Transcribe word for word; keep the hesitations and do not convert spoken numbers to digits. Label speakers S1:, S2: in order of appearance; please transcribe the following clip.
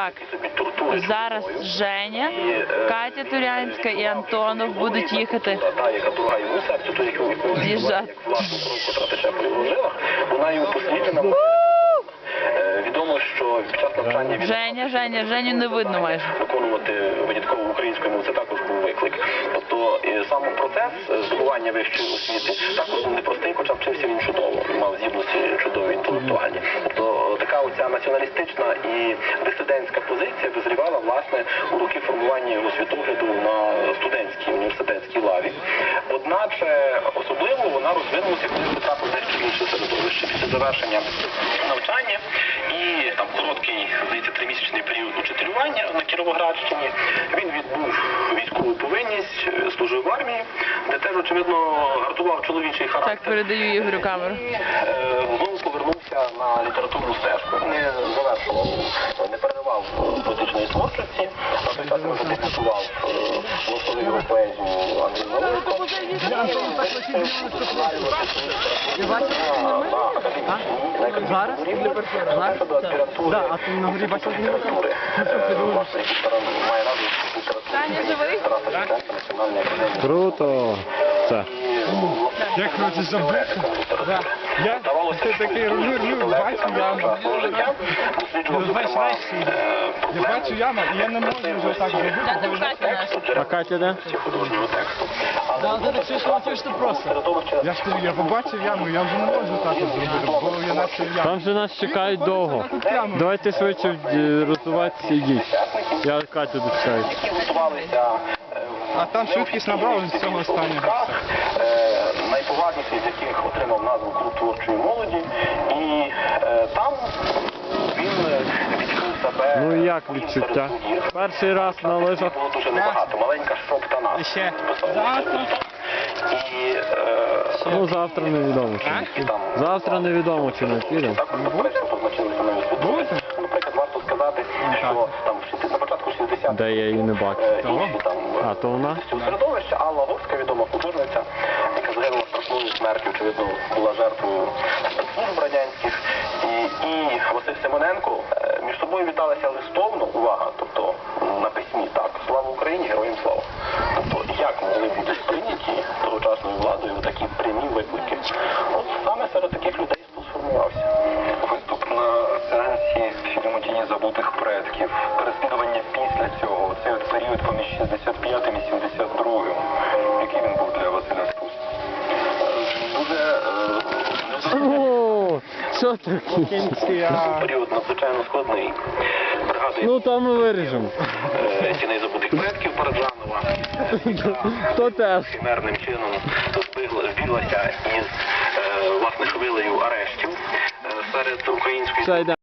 S1: Так, зараз Женя, Катя Турянська і Антонов будуть їхати. З'їжджати.
S2: Вона їм послідна. Відомо, що під час навчання
S1: Женя, Женя, Женю не видно майже.
S2: Виконувати винятково українською мовою, це також був виклик. Тобто сам процес здобування вищої освіти також був непростий, хоча вчився він чудово, мав здібності чудові інтелектуальні. Тобто така оця націоналістична і дисидентська позиція визрівала, власне, у роки формування його світогляду на студентській, університетській лаві. Одначе, особливо вона розвинулася, коли потрапив дещо інше середовище після завершення навчання. І там короткий, здається, тримісячний період учителювання на Кіровоградщині. Він відбув військову повинність, служив в армії, де теж, очевидно, гартував чоловічий характер.
S1: Так, передаю Ігорю камеру.
S2: І е, знову повернувся на літературну стежку. Не завершував, не переривав поетичної творчості, а той час він дебютував в його поезію Андрій Володько.
S3: Зараз? Зараз? Так, а ти на горі бачив літератури.
S1: Таня, живий?
S4: Круто! Це.
S3: Як хочеш забути? Я це такий рулю, бачу яму. Бачиш, я бачу яму, і я не можу вже так зробити.
S1: Це Катя наша.
S4: А Катя де?
S3: Так, ти так чуєш, що просто. Я ж я побачив яму, я вже не можу так зробити, бо я наче яму.
S4: Там же нас чекають довго. Давайте швидше е, розвиватися і йдіть. Я Катю дочекаю.
S3: А там швидкість набрали з цього останнього.
S2: Найповажніший з яких отримав назву «Клуб творчої молоді». І е, там він відчув себе...
S4: Ну як відчуття? Перший раз на лижах.
S2: Було дуже небагато, маленька шоптана.
S3: І ще завтра.
S2: І, е,
S4: Ну завтра невідомо чи не піде. Завтра невідомо чи не піде.
S2: також заперечно позначилися нові світові. Наприклад, варто сказати, що там на початку шістдесятих
S4: Де я її не бачу. А, то вона?
S2: середовище Алла Горська, відома художниця, яка загинула страшною смертю, очевидно, була жертвою спецслужб радянських. І, і Василь Симоненко е, між собою віталися листовно, увага, тобто на письмі, так, слава Україні, героям слава. Тобто, як могли бути сприйняті тогочасною владою такі прямі виклики? От саме серед таких людей сформувався. Виступ на сеансі фільму «Тіні забутих предків», переслідування після цього, цей от період поміж шістдесят п'ятим і сімдесят другим, який він був для Василя Стус? Дуже...
S4: О, що таке?
S2: Період надзвичайно складний. Пригадує
S4: Ну там ми виріжемо.
S2: «Тіней забутих предків» Параджанова.
S4: То теж.
S2: Химерним чином збіглася із, власне, хвилею арештів серед української...